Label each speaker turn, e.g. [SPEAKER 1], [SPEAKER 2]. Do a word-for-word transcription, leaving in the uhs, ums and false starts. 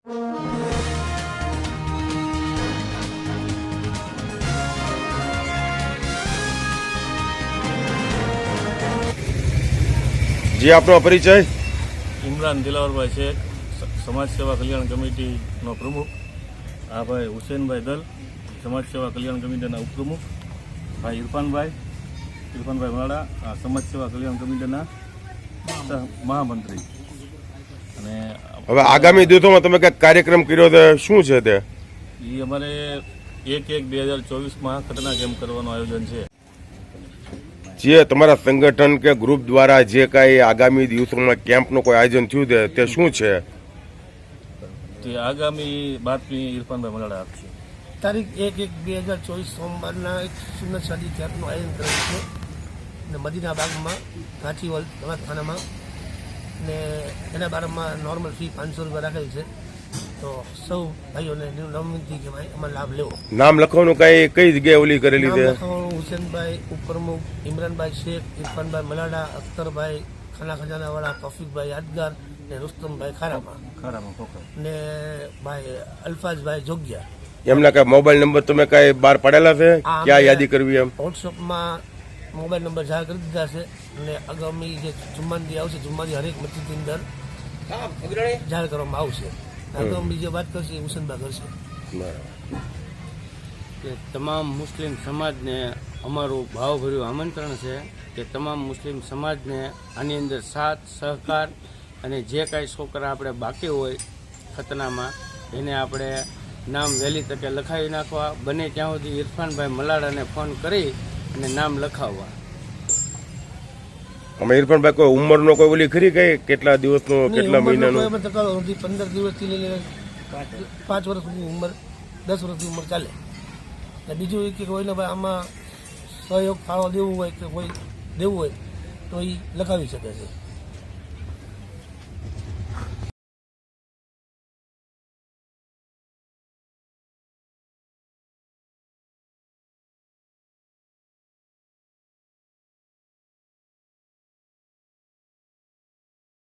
[SPEAKER 1] જી, આપનો પરિચય?
[SPEAKER 2] ઇમરાન દિલાવરભાઈ શેખ, સમાજ સેવા કલ્યાણ કમિટીનો પ્રમુખ. આ ભાઈ હુસેનભાઈ દલ, સમાજ સેવા કલ્યાણ કમિટીના ઉપપ્રમુખ. ભાઈ ઇરફાનભાઈ ઇરફાનભાઈ વાળા, આ સમાજ સેવા કલ્યાણ કમિટીના મહામંત્રી. અને
[SPEAKER 1] હવે આગામી દિવસોમાં તમે કંઈક કાર્યક્રમ કર્યો તો શું છે તે?
[SPEAKER 2] એ અમારે એક એક બે હજાર ચોવીસમાં ખતરનાક કેમ્પ કરવાનું આયોજન છે.
[SPEAKER 1] જે તમારા સંગઠન કે ગ્રુપ દ્વારા જે કાંઈ આગામી દિવસોમાં કેમ્પનું કોઈ આયોજન થયું છે તે શું છે?
[SPEAKER 2] તે આગામી બાતમી ઇરફાનભાઈ મલાડા આપશે.
[SPEAKER 3] તારીખ એક એક બે હજાર ચોવીસ સોમવારના એક સુન્નત શાદી કેમ્પનું આયોજન કરેલું છે અને મદીના બાગમાં ગાંચીવાલ દવાખાનામાં, ને એના બારામાં નોર્મલ ફી પાંચસો રૂપિયા રાખેલી છે. તો સૌ ભાઈઓને વિનંતી કે ભાઈ એમાં લાભ લેવો.
[SPEAKER 1] નામ લખવાનું કઈ કઈ જગ્યાએ ઓલી કરેલી છે?
[SPEAKER 3] હુસેનભાઈ ઉપપ્રમુખ, ઇમરાનભાઈ શેખ, ઇરફાનભાઈ મલાડા, અખ્તરભાઈ ખાના ખજાનાવાળા, તોફિકભાઈ યાદગાર ને રુસ્તમભાઈ ખારામાં
[SPEAKER 2] ખારામાં ખોખર
[SPEAKER 3] ને ભાઈ અલ્ફાઝભાઈ જોગિયા.
[SPEAKER 1] એમના કઈ મોબાઈલ નંબર તમે કઈ બહાર પાડેલા છે? ક્યાં યાદી કરવી? એમ
[SPEAKER 3] વોટ્સઅપમાં મોબાઈલ નંબર જાહેર કરી દીધા છે અને આગામી જે જુમ્માની આવશે, જુમ્માની હરેક મસ્જિદની અંદર જાહેર કરવામાં આવશે. આગામી જે વાત કરશે એ હુસેનભાઈ કરશે.
[SPEAKER 4] કે તમામ મુસ્લિમ સમાજને અમારું ભાવભર્યું આમંત્રણ છે કે તમામ મુસ્લિમ સમાજને આની અંદર સાથ સહકાર અને જે કાંઈ છોકરા આપણે બાકી હોય ખતનામાં એને આપણે નામ વહેલી તકે લખાવી નાખવા, બને ત્યાં સુધી ઇરફાનભાઈ મલાડાને ફોન કરી અને નામ લખાવવા.
[SPEAKER 1] અમે ઇરફાનભાઈ કોઈ ઉંમરનો કોઈ ઓલી ખરી કઈ કેટલા દિવસનો કેટલા મહિનાનો?
[SPEAKER 3] પંદર દિવસથી લઈને પાંચ વર્ષ સુધી ઉંમર, દસ વર્ષની ઉંમર ચાલે. બીજું એ કે કોઈને ભાઈ આમાં સહયોગ ફાળો દેવું હોય કે કોઈ દેવું હોય તો એ લખાવી શકે છે.